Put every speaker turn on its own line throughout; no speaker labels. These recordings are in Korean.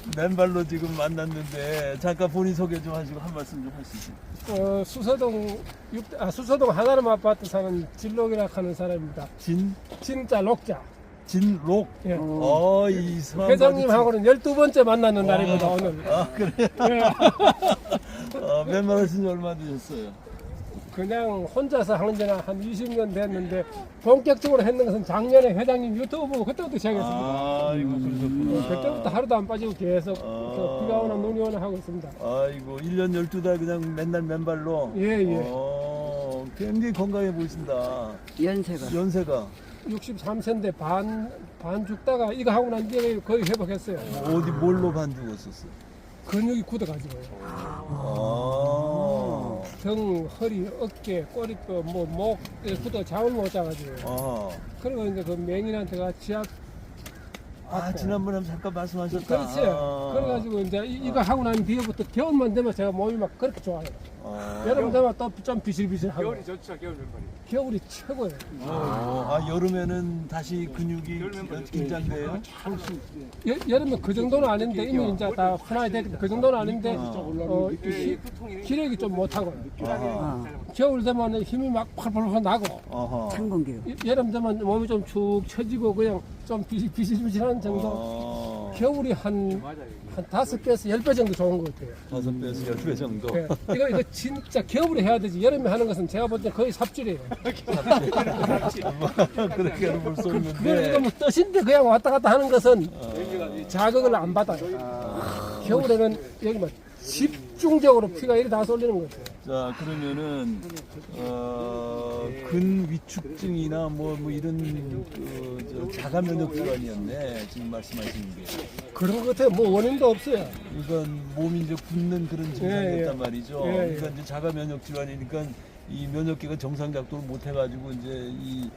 맨발로 지금 만났는데 잠깐 본인 소개 좀 하시고 한 말씀 좀 하시죠.
수서동 하나름 아파트 사는 진록이라 하는 사람입니다. 진짜 록자.
진록.
예.
이 성함
회장님하고는 12번째 만나는 날입니다, 오늘.
아, 그래요? 맨발 하신 지 얼마 되셨어요?
그냥 혼자서 하는 지는 한 20년 됐는데, 본격적으로 했는 것은 작년에 회장님 유튜브 보고 그때부터 시작했습니다.
아이고, 그러셨구나.
그때부터 하루도 안 빠지고 계속 비가 오나 눈이 오나 하고 있습니다.
아이고, 1년 12달 그냥 맨날 맨발로?
예.
굉장히 건강해 보이신다. 연세가?
63세인데 반 죽다가 이거 하고 난 뒤에 거의 회복했어요.
어디 뭘로 반 죽었었어요?
근육이 굳어가지고요. 등, 허리, 어깨, 꼬리뼈, 목에 굳어 잠을 못 자가지고요. 그리고 이제 그 맹인한테가 지압.
지난번에 잠깐 말씀하셨다.
그렇죠. 그래가지고 이제 이거 하고 난 뒤에부터 겨울만 되면 제가 몸이 막 그렇게 좋아요. 여름 되면 또 좀 비실비실하고.
겨울이 좋죠, 겨울 맨발이.
겨울이 최고예요.
여름에는 다시 근육이 긴장돼요?
여름에 그 정도는 아닌데 이미 이제 다 훈화이 됐기 그 정도는 아닌데 기력이 좀 못하고 겨울 되면 힘이 막 펄펄펄 나고 여름 되면 몸이 좀 축 처지고 그냥 좀 비실비실한 정도. 겨울이 한 5배에서 10배 정도 좋은 것 같아요.
5배에서 10배 정도?
네. 이거 진짜 겨울에 해야 되지. 여름에 하는 것은 제가 볼 때 거의 삽질이에요.
그렇게는 볼 수
그거
없는데.
이거 뭐 뜻인데 그냥 왔다 갔다 하는 것은 자극을 안 받아요. 겨울에는 여기 뭐 집중적으로 피가 이리 다 쏠리는 것 같아요.
자, 그러면은 근위축증이나 뭐 이런 자가 면역 질환이었네. 지금 말씀하시는 게.
그런 것 같아요. 뭐 원인도 없어요.
이건 몸이 이제 굳는 그런 증상이었단 말이죠.
예.
그러니까 이제 자가 면역 질환이니까 이 면역계가 정상 작동을 못 해가지고 이제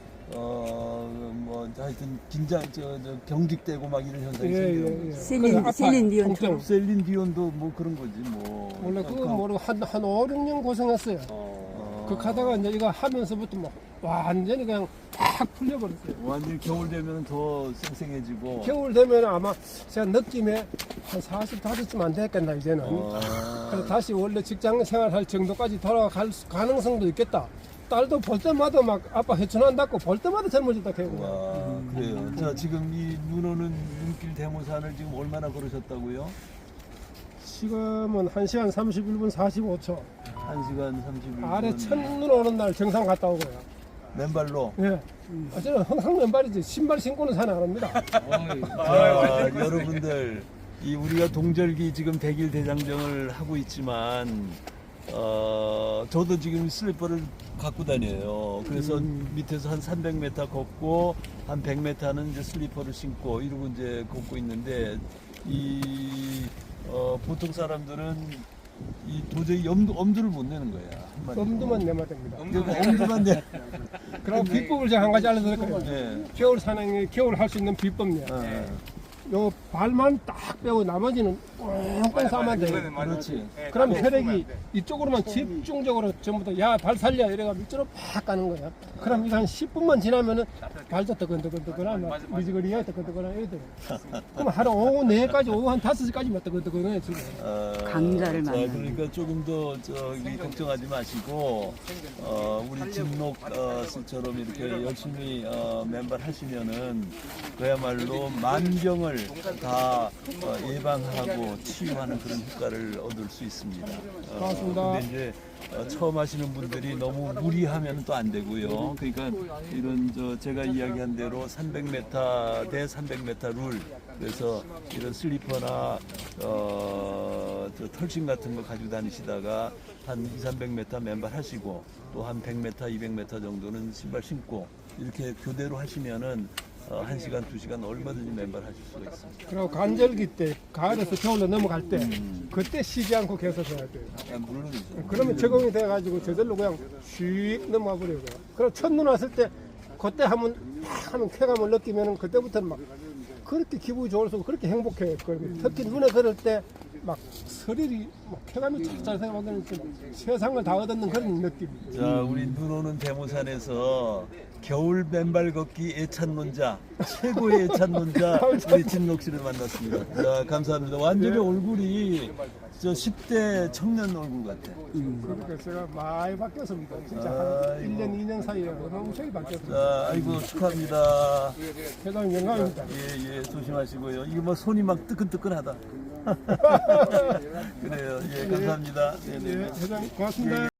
하여튼 경직되고 막 이런 현상이 생기는 거죠. 셀린 디온도 뭐 그런 거지 뭐.
원래 그거 모르고 한 5, 6년 고생했어요. 그 가다가 이제 이거 하면서부터 뭐 완전히 그냥 팍 풀려버렸어요.
완전히 겨울 되면 더 쌩쌩해지고.
겨울 되면 아마 제가 느낌에 한 45쯤 안 됐겠나 이제는. 그래서 다시 원래 직장 생활할 정도까지 돌아갈 가능성도 있겠다. 딸도 볼 때마다 막 아빠 해춘한다고 볼 때마다 젊어졌다 해고.
그래요. 자, 지금 이 눈 오는 눈길 대모산을 지금 얼마나 걸으셨다고요?
지금은 1시간 31분 45초.
1시간 31분.
아래 첫눈 오는 날 정상 갔다 오고요.
맨발로?
예. 저는 항상 맨발이지 신발 신고는 산에 안 합니다.
자, 여러분들, 우리가 동절기 지금 100일 대장정을 하고 있지만, 저도 지금 슬리퍼를 갖고 다녀요. 그래서 밑에서 한 300m 걷고, 한 100m는 이제 슬리퍼를 신고, 이러고 이제 걷고 있는데, 보통 사람들은 도저히 엄두를 못 내는 거야.
엄두만 내면 됩니다.
엄두만 내.
그럼 비법을 제가 한 가지 알려드릴게요.
네.
겨울 사냥에 겨울 할 수 있는 비법이요. 요 발만 딱 빼고 나머지는 꽁꽁 싸면 돼요.
그렇지.
그럼 혈액이 이쪽으로만 집중적으로 전부 다 야 발 살려 이래가 밑으로 팍 가는 거야. 그럼 이거 한 10분만 지나면은 발도 뜨끈뜨끈뜨끈하고 미지근이야 뜨끈뜨끈하고 이래요. 그럼 하루 오후 4까지 오후 한 5시까지만 뜨끈뜨끈해 지금.
강자를 만나는.
그러니까 조금 더 걱정하지 마시고 우리 진록 씨처럼 이렇게 열심히 맨발 하시면은 그야말로 만병을 다 예방하고 치유하는 그런 효과를 얻을 수 있습니다.
고맙습니다.
근데 이제 처음 하시는 분들이 너무 무리하면 또 안 되고요. 그러니까 이런 제가 이야기한 대로 300m 대 300m 룰. 그래서 이런 슬리퍼나 털신 같은 거 가지고 다니시다가 한 2, 300m 맨발 하시고 또 한 100m, 200m 정도는 신발 신고 이렇게 교대로 하시면은 1시간, 2시간 얼마든지 맨발 하실 수가 있습니다.
그리고 간절기 때 가을에서 겨울로 넘어갈 때 그때 쉬지 않고 계속 해야 돼요.
물론이죠.
그러면 적응이 돼가지고 저절로 그냥 슉 넘어가 버려요. 그럼 첫눈 왔을 때 그때 하면 쾌감을 느끼면 그때부터는 막 그렇게 기분이 좋을수록 그렇게 행복해요. 특히 눈에 걸을 때 막 서리리 막 쾌감이 찰찰 생각하는 세상을 다 얻는 그런 느낌.
자, 우리 눈 오는 대모산에서 겨울 맨발 걷기 애찬론자, 최고의 애찬론자 우리 진록 씨를 만났습니다. 자, 감사합니다. 완전히 얼굴이 저 10대 청년 얼굴 같아.
그러니까 제가 많이 바뀌었습니다. 진짜
아이고.
한 1년, 2년 사이에 엄청 바뀌었습니다.
자, 아이고 축하합니다.
대단히 영광입니다.
예, 조심하시고요. 이게 뭐 손이 막 뜨끈뜨끈하다. 그래요. 예, 감사합니다. 네, 네.
예, 대단히 고맙습니다.